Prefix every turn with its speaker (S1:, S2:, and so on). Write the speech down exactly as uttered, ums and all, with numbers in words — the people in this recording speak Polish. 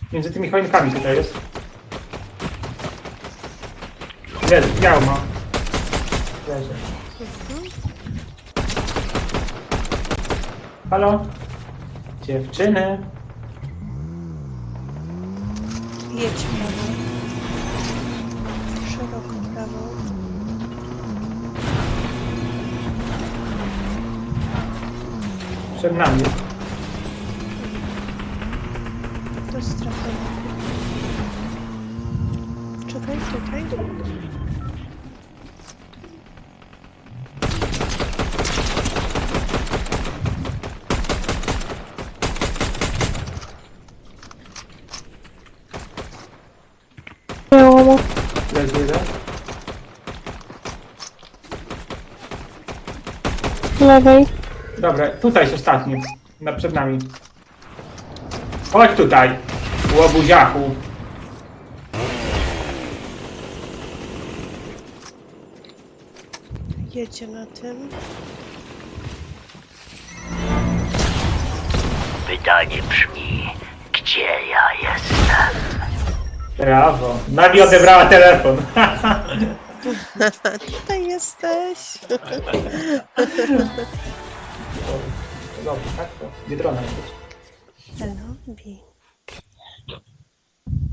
S1: Między tymi choinkami tutaj jest. Jest, biało ma. Leży. Halo? Dziewczyny?
S2: Jedź prawo. Szeroko prawo.
S1: Przed nami.
S2: Do strefy. Czekaj, tutaj.
S3: Biało.
S1: Leży jeden.
S3: Lewej.
S1: Dobra, tutaj jest ostatni. Na, przed nami. Chodź tutaj, łobuziachu.
S2: Jedzie na tym.
S4: Pytanie brzmi, gdzie ja jestem?
S1: Brawo. Nawi odebrała telefon.
S2: Tutaj jesteś.
S1: Dobrze, tak? To Biedrona być.
S2: Hello, Bi.